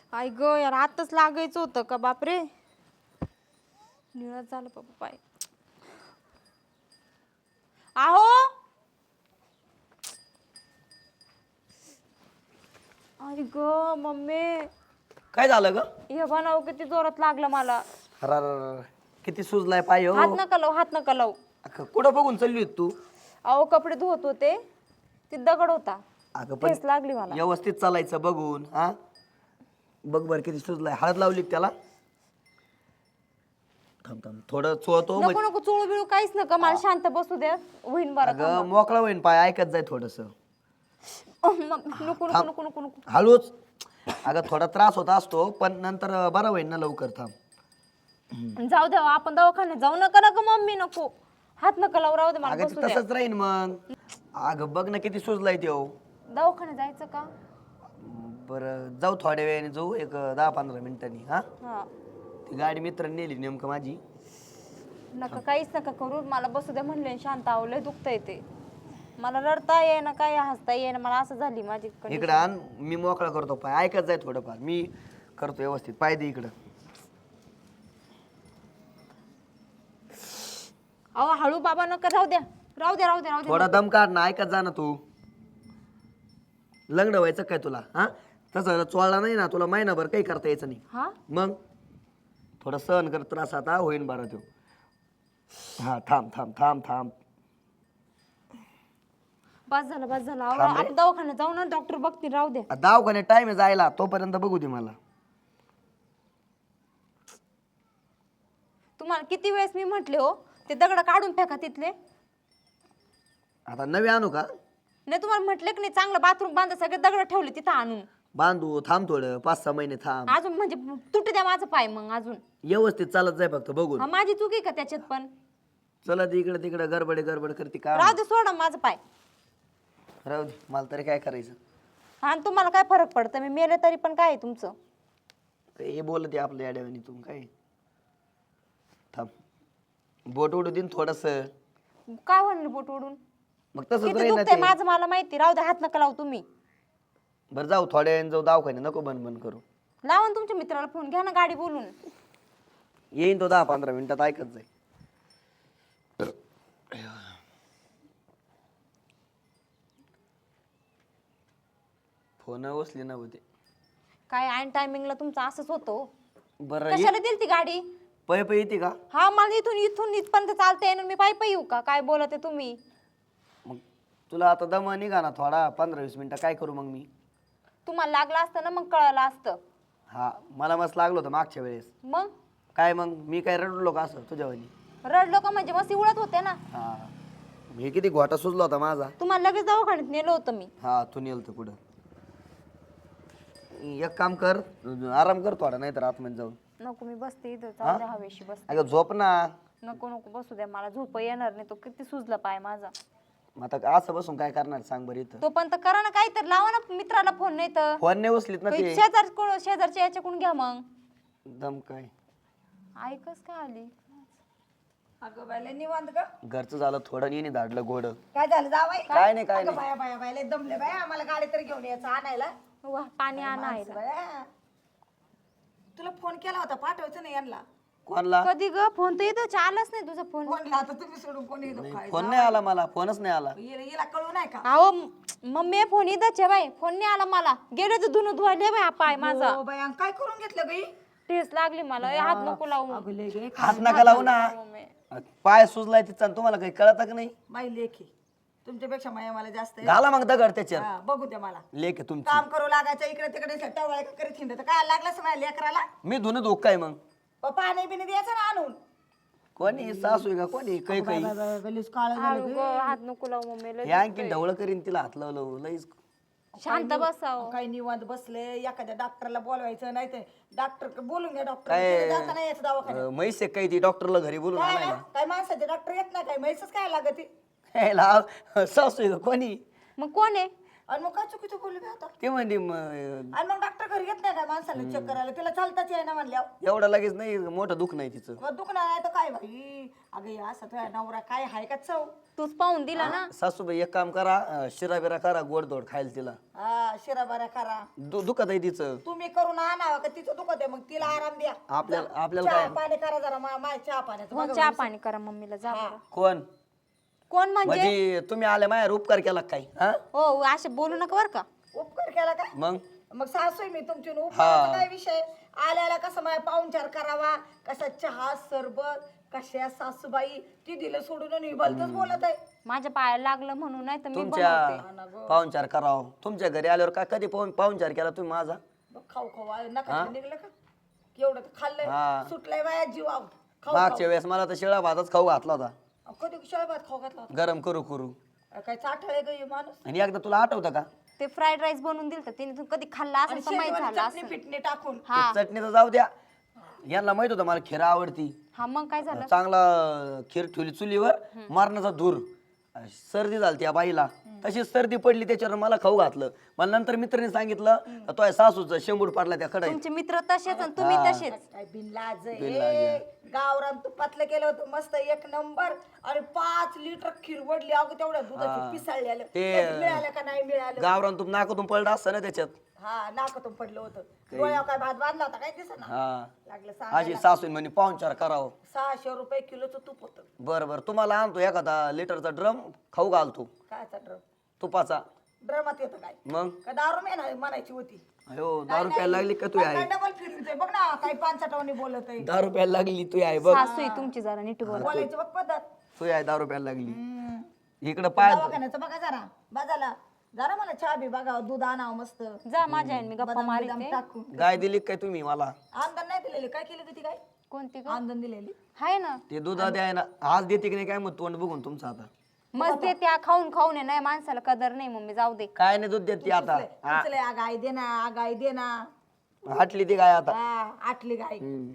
आई ग यार आताच लागायचं होतं का बापरे. निळत झालं बाबा पाय. आहो आई ग मम्मी काय झालं ग? हे बनाव किती जोरात लागलं मला. अरे किती सुजलाय पाय हो. हात नका लावू हात नका लावू. कुठं बघून चालली होती तू? अहो कपडे धुवत होते ती दगड होता. अगं पण ठेच लागली मला. व्यवस्थित चालायचं बघून. हा बघ बर किती सुजलाय. हळद लावली का त्याला? थांब थांब थोडं चोळतो. नको नको चोळू बिळू काहीच नका मला शांत बसू द्या होईन बरं. अगं मोकळा होईन पाय. ऐकत जाय थोडस. नको नको नको नको नको. हळूच. अगं थोडा त्रास होता असतो पण नंतर बरा होईन ना लवकर. थांब. जाऊ द्या आपण दवाखान्यात जाऊ नका नका मम्मी नको. हात नका लावू राहू दे मला अगं बसू ते द्या. तसंच राहीन मग. अगं बघ ना किती सुजलाय ते हो. दवाखान्यात जायचं का? बरं जाऊ थोड्या वेळाने जाऊ. एक 10-15 मिनिटांनी. हा हा ती गाडी मित्रांनी नेली नेमकं माझी. नका काहीच नका करू मला बसू द्या म्हणले शांत आवलंय दुखतंय ते. मला रडता येईना काय हसता येईना मला असं झाली माझी condition. इकडं आण मी मोकळा करतो पाय. ऐकत जाय थोडंफार. मी करतो व्यवस्थित. पाय दे इकडं. अहो हळू बाबा नका राहू द्या राहू द्या राहू द्या राहू द्या. थोडा दम काढ ना. ऐकत जा ना तू. लग्न व्हायचं काय तुला? हा तसं चोळला नाही ना तुला महिनाभर काही करता यायचं नाही. हा मग थोडं सहन कर. त्रास आता होईन बरं तो. हा थांब थांब थांब थांब. बस झालं बस झालं. अहो, थांब रे. आपण दवाखान्यात जाऊ ना डॉक्टर बघतील राहू द्या. दवाखान्यात टाइम आहे जायला. तोपर्यंत बघू दे मला. तुम्हाला किती वेळेस मी म्हटले हो ते दगड काढून फेका तिथले. आता नवे आणू का? नाही तुम्हाला म्हटले की नाही चांगलं बाथरूम बांधा सगळे दगड ठेवले तिथं आणून. बांधू. थांब थोडं 5-6 महिने थांब. अजून म्हणजे तुटू द्या माझं पाय मग अजून. व्यवस्थित चालत जाय फक्त बघून. हा माझी चूक आहे का त्याच्यात पण. चला इकडे तिकडे गडबड गडबड करते का? राहू दे सोडा माझं पाय. राहू दे. मला तरी काय करायचं. हा आणि तुम्हाला काय फरक पडतं मी मेले तरी पण काय आहे तुमचं. हे बोलते आपल्या याड्यावानी तू काय. थांब. बोट उडू दिन थोडस. काय म्हणलं बोट ओढून. मग तसंच किती राहील ना दुखतंय ते. माझं मला माहिती. राहू दे हात नका लावू तुम्ही. बरं जाऊ थोड्या वेळाने जाऊ दवाखान्यात. नको बंद बंद करू. लावा ना तुमच्या मित्राला फोन घ्या ना गाडी बोलून. येईन तो 10-15 मिनिटात. ऐकत जाय. फोन उचली ना होते. काय ऐन टायमिंगला तुमचं असंच होतं. बरं कशाला दिली ती गाडी. पै पै येते का? हा मला इथून इथून इथपर्यंत चालता येणार मी पायी पायी येऊ का काय बोलत आहे तुम्ही. मग तुला आता दम निघा ना थोडा. 15-20 मिनिटं काय करू मग मी? तुम्हाला लागलं असतं ना मग कळलं असतं. हा मला मस्त लागलं होतं मागच्या वेळेस. मग काय मग मी काय रडलो का असं तुझ्यावानी? रडलो का म्हणजे मस्त उडत होते ना. हा हे किती घोटा सुचला होता माझा. तुम्हाला लगेच दवाखान्यात नेलं होतं मी. हा तू नेलतं कुठं. एक काम कर. आराम कर थोडा. नाही तर आतमध्ये जाऊन. नको मी बसते इथं जाऊ द्या हवेशी बसते. अगं झोप ना. नको नको बसू द्या मला झोप येणार नाही. तो किती सुजला पाय माझा. मग आता असं बसून काय करणार सांग बरं इथं. तो पण तर करा ना काही तर लावा ना मित्राला फोन नाही तर. फोन नाही उचलीत ना ते. शेजारच्या याच्याकडून घ्या मग. दम काय ऐकच काय आली. अगं बायले निवांत ग. घरचं झालं थोडं येणे धाडलं गोड. काय झालं जावाई? काय नाही काय अगं नाही. बाया बाया बायले दमले बाया. आम्हाला गाडी तर घेऊन यायचं आणायला. वा पाणी आणा माणसं बाया. तुला फोन केला होता पाठवायचं नाही यांना. कोणला? कधी ग फोन तर येतो आलाच नाही तुझा फोन. फोन आता तुम्ही सोडून कोणी येतो काय? फोन नाही आला मला. फोनच नाही आला. हिला कळू नाही का? अहो मम्मी फोन इथंच आहे बाई. फोन नाही आला मला. गेले तर धुणं धुवायले बाई हा पाय माझा. हो बाया काय करून घेतलं बाई? ठेस लागली मला. ए, हात नको लावू. अगं लय गे. हात नका लावू ना. मम्मी पाय सुजलाय तिचा. तुम्हाला काही कळत का नाही? बाई लेखी तुमच्यापेक्षा माया मला जास्त आहे. घाला मग दगड त्याच्यावर. हा, बघू द्या मला. लेख आहे तुमची. काम करू लागायचं इकडे तिकडे टवळ करीत हिंडत काय लागलं माझ्या लेकराला. मी धुणं धुक काय मग? पाणी बिणी द्यायचं ना आणून. कोणी सासू आहे का कोणी काही काही? गलीस काळ हळू ग हात नको लावू मम्मी लय हे आणखी ढवळ करीन तिला हात लावलं लईच. शांत बसाव. काही निवांत बसले. एखाद्या डॉक्टरला बोलवायचं नाही तर डॉक्टर बोलून घ्या. डॉक्टर काय? जाता नाही यायचं दवाखान्यात. म्हैस आहे काही ती डॉक्टरला घरी बोलून काय आणायला. ना? काय माणसाचे डॉक्टर येत नाही काय म्हैसच काय लागत हे लाव. सासू आहे का कोणी? मग कोण आहे. आणि मग काय चुकीचं बोलू मी आता ते म्हणली आणि मग डॉक्टर घरी घेत नाही काय माणसाला चेक करायला तिला चालताच आहे ना म्हणल्यावर एवढं लगेच नाही मोठं दुःख नाही तिचं. मग दुखणार नाही तर काय बाई अगं हे असं तुझ्या नवरा काय हाय का चव तूच पाहून दिला ना. सासूबाई एक काम करा, शिरा बिरा करा गोडधोड खायला तिला. हा शिरा बरा करा दुखत आहे तिचं. तुम्ही करून आणावं का तिचं दुखत आहे मग तिला आराम द्या आपल्याला चहा काय पाणी करा जरा माय चहा पाण्याचं मग बघा चहा बरं. पाणी करा मम्मीला जा बरं. कोण कोण म्हणजे म्हणजे तुम्ही आले माझ्यावर उपकार केला काय? हा हो असे बोलू नका बरं का. उपकार केला काय मग मग सासू आहे मी तुमची उपकाराचा काय विषय आल्याला कसं माझ्या पाहुणचार करावा कसा चहा सरबत कशा सासूबाई ती दिलं सोडून आणि भलतच बोलत आहे माझ्या पायाला लागलं म्हणून नाही तर मी तुमच्या बनवते. पाहुणचार करावं. तुमच्या घरी आल्यावर काय कधी पाहुणचार केला तुम्ही माझा? मग खाऊ खाऊ नका निघलं का केवढं तर खाल्लंय हा. सुटलंय बाया जीवाव खाऊ मागच्या वेळेस मला तर शिळा भातच खाऊ घातला होता, कधी शाळेत खाऊ घातला गरम करू करू. होता काय चाठळे ग माणूस आणि एकदा तुला आठवतं का ते फ्राईड राईस बनवून दिलं तिने तू कधी खाल्ला आणि असं माहित शेंगदाणे झालं चटणी असं. पिटणी टाकून हा ते चटणीचं जाऊ द्या, यांना माहित होतं मला खीर आवडती. हा मग काय झालं. चांगला खीर ठेवली चुलीवर, मारण्याचा धूर, सर्दी झाली त्या बाईला, तशीच सर्दी पडली त्याच्यावर मला खाऊ घातलं. मला नंतर मित्राने सांगितलं तो सासूचं शेंबूड पाडला त्या कडाईत. तुमचे मित्र तसेच आणि तुम्ही तसेच. काय बिनलाज आहे गावरान तुपातलं केलं होतं मस्त एक नंबर आणि 5 लिटर खीर वडली अगं तेवढ्या दुधाची पिसाळलेलं ते मिळालं का नाही मिळालं गावरान तूप नाकातून पडलं असतं ना त्याच्यात. हा नाकातून पडलं होतं डोळ्यावर काय भात बांधला होता काय दिसत ना हा लागलं अशी सासू म्हणे पाहुणचार करावं. 600 रुपये किलोचं तूप होतं बरं बरं तुम्हाला आणतो एखादा लिटरचा ड्रम, खाऊ घालतो कायचा ड्रम तुपाचा. ड्रमात येतं काय मग का दारू म्हणायची होती अयो दारू प्यायला लागली का तू आहे? डबल फिरतोय बघ ना काही 5 बोलत आहे दारू प्यायला लागली तू आहे बघ, सासू आहे तुमची जरा नीट बोला. बोलायची बघ पद्धत तू आहे दारू प्यायला लागली. इकडं पाय दवाखान्याचं बघा जरा बाजाला जरा मला चहा बी बघा दूध आणावं मस्त जा माझ्या आईने मी गप्पा बदाम मारिते. टाकून गाय दिली काय तुम्ही मला? आंदण नाही दिलेली काय केली ती काय कोणती ग? आंदण दिलेली हाय ना ते दूध द्याय ना, आज देते की नाही काय मग तोंड बघून तुमचं आता. मस्त देते खाऊन खाऊन आहे नाही माणसाला कदर नाही मम्मी जाऊ दे. काय नाही दूध देते आता, उचले गाय दे ना गाय दे ना हाटली ती गाय आता. हा आटली गाय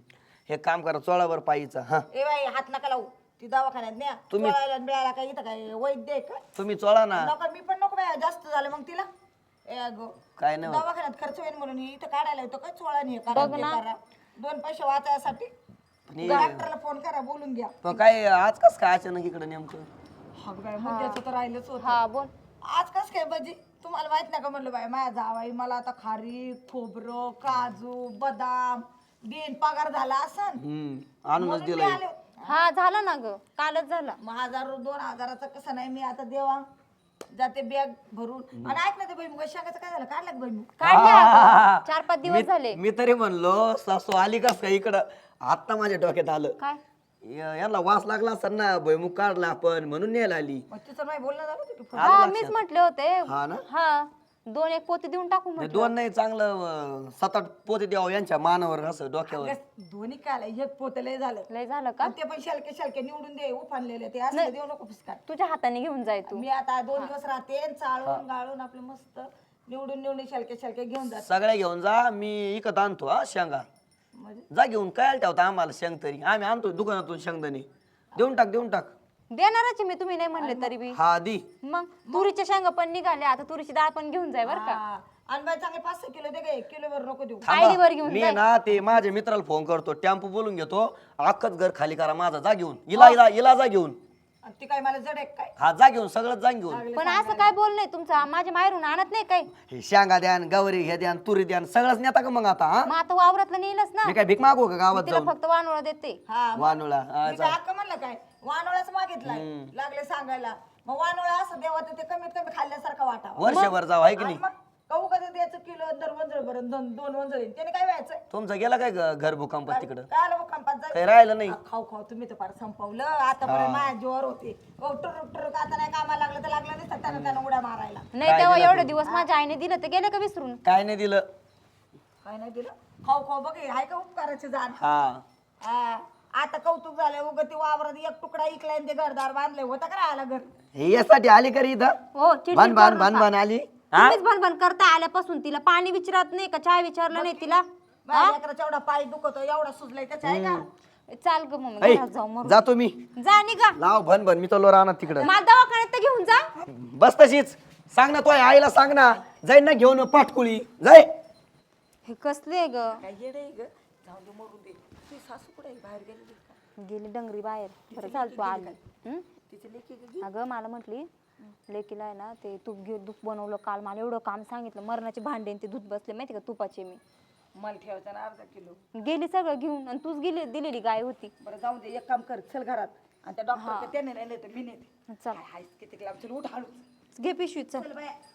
हे काम करा चोळावर पायीचा. हा ए बाई हात नका लावू ती दवाखान्यात न्या चोळायला मिळाला काय इथं काय वैद्य आहे का तुम्ही चोळा ना. नको मी पण नको बाई जास्त झालं मग तिला ए गो काय नाही होत. दवाखान्यात खर्च होईल म्हणून इथं काढायला येतो काय चोळा नाही करा ते करा 2 पैसे वाचायसाठी डॉक्टरला फोन करा बोलून घ्या पण काय आज कस काय अचानक इकडे नेमकं? हा बाई मुद्द्याचं तर राहिलंच होतं हा बोल. आज कस काय बाजी तुम्हाला माहित नाही का म्हणलं बाई माझ्या जावाई मला आता खारीक खोबरं काजू बदाम देण पगार झाला असन आणूनच दिलंय. हा झाला ना ग कालच झाला. मग 1000-2000चा कसं नाही मी आता देवा जाते बॅग भरून आणि ऐक ना ते भुईमुगा शेंगाचं काय झालं काढलं का भुईमुग काढले आता. 4-5 दिवस झाले. मी तरी म्हणलो सासू आली कस काय इकडं, आता माझ्या डोक्यात आलं काय यांना वास लागला असेल ना भुईमुग काढला आपण म्हणून न्यायला आली. मग तिचं नाही बोलणं झालं होतं की हा मीच म्हटले होते. हा ना, हा 2-1 पोते देऊन टाकू हे म्हटलं. 2 नाही चांगलं 7-8 पोते द्यावं यांच्या मानावर असं डोक्यावर. दोन्ही काय आलं, एक पोत लय झालं लय झालं का? आणि ते पण शलके निवडून दे उफानलेले ते असं देऊ नको फिसकाट तुझ्या हाताने घेऊन जाय तू. मी आता 2 दिवस राहते चाळून गाळून आपलं मस्त निवडून शलके घेऊन जाते सगळ्या घेऊन जा, मी इकत आणतो हा शेंगा. म्हणजे जा घेऊन काय ठेवता आम्हाला शेंग तरी, आम्ही आणतो दुकानातून शेंगदाणे. देऊन टाक देणारच आहे मी तुम्ही नाही म्हणले तरी बी. हा दी. मग तुरीच्या शेंगा पण निघाल्या आता तुरीची डाळ पण घेऊन जाय बर का. हा. आणि बाई चांगले 5-6 किलो दे गे किलोवर नको देऊ आयडीवर घेऊन मी ना ते माझ्या मित्राला फोन करतो, टेम्पो बोलून घेतो, अख्खच घर खाली करा माझा, जा घेऊन इला जा घेऊन. आणि ती काय मला जड आहे काय हा जा घेऊन सगळं जा घेऊन. पण असं काय बोल नाही तुमचं माझ्या माहेरून आणत नाही काय. हे शेंगा द्यान गवरी हे द्यान तुरी द्यान सगळंच नेता का मग आता? हा मग आता वावरातलं नेलच ना. मी काय भीक मागू का गावात तिला जाऊन? फक्त वानोळा देते. हा वानुळा मी काय हक्क म्हणलं काय वानोळाच मागितलाय लागले सांगायला मग वानोळा असं देवा तर ते कमीत कमी खाल्ल्यासारखं वाटावं वर्षभर जावं आहे की नाही? मग कहू कसं द्यायचं किलो दर वंजळ भरून 2 वंजळी त्याने काय व्हायचं तुमचं गेला काय घर भूकंपात तिकडं? काय आलं भूकंपात जायचं काही राहिलं नाही. खाऊ तुम्ही तर फार संपवलं आतापर्यंत माझ्या जीवावर होते टुरुक आता नाही कामाला लागलं तर लागलं नाही त्यांना उड्या मारायला नाही तेव्हा एवढे दिवस माझ्या आईने दिलं ते गेले का विसरून. काय नाही दिलं. काय नाही दिलं खाऊ बघ हाय का उपकाराची जाण हा आता कौतुक झालं उग ती वावरात एक तुकडा इकलाय आणि ते घरदार बांधले होता का आला घर हे यासाठी आली करी इथं? हो चिडचिड भान भान करू भान नका. भान आली. तुम्हीच भनभन करता आल्यापासून तिला पाणी विचारत नाही का चहा विचारलं नाही तिला. माझ्या लेकराचा एवढा पाय दुखतो एवढा सुजलाय त्याच्या आहे का चाल ग मम्मी ऐ, घरात जाऊ मग जातो मी. जा निघा. लाव भन भन मी तो राहणार तिकडं. मला दवाखान्यात तर घेऊन जा. बस तशीच सांग ना तुझ्या आईला सांग ना, जाईन ना घेऊन पाटकुळी जाय. हे कसले आहे ग? काय येडे आहे ग, जाऊन दे मरून दे. तुझी सासू कुठे आहे, बाहेर गेलेली का? गेली डंगरी बाहेर. बरं झालं तू आली. हं? तिचे लेकी गेली. अगं मला म्हटली लेकीला आहे ना ते तूप घेऊन दूध बनवलं काल, मला एवढं काम सांगितलं, मरणाचे भांडे आणि ते दूध बसले माहिती का तुपाचे. मी मला ठेवायचा ना अर्धा किलो. गेली सगळं घेऊन, आणि तूच गेली दिलेली गाय होती. बरं जाऊन दे, एक काम कर, चल घरात आणि त्या डॉक्टर त्याने नाही तर मी नेते. चल काय हायस किती लांब, चल उठ हळूच. घे पिशवी चल. चल बाया.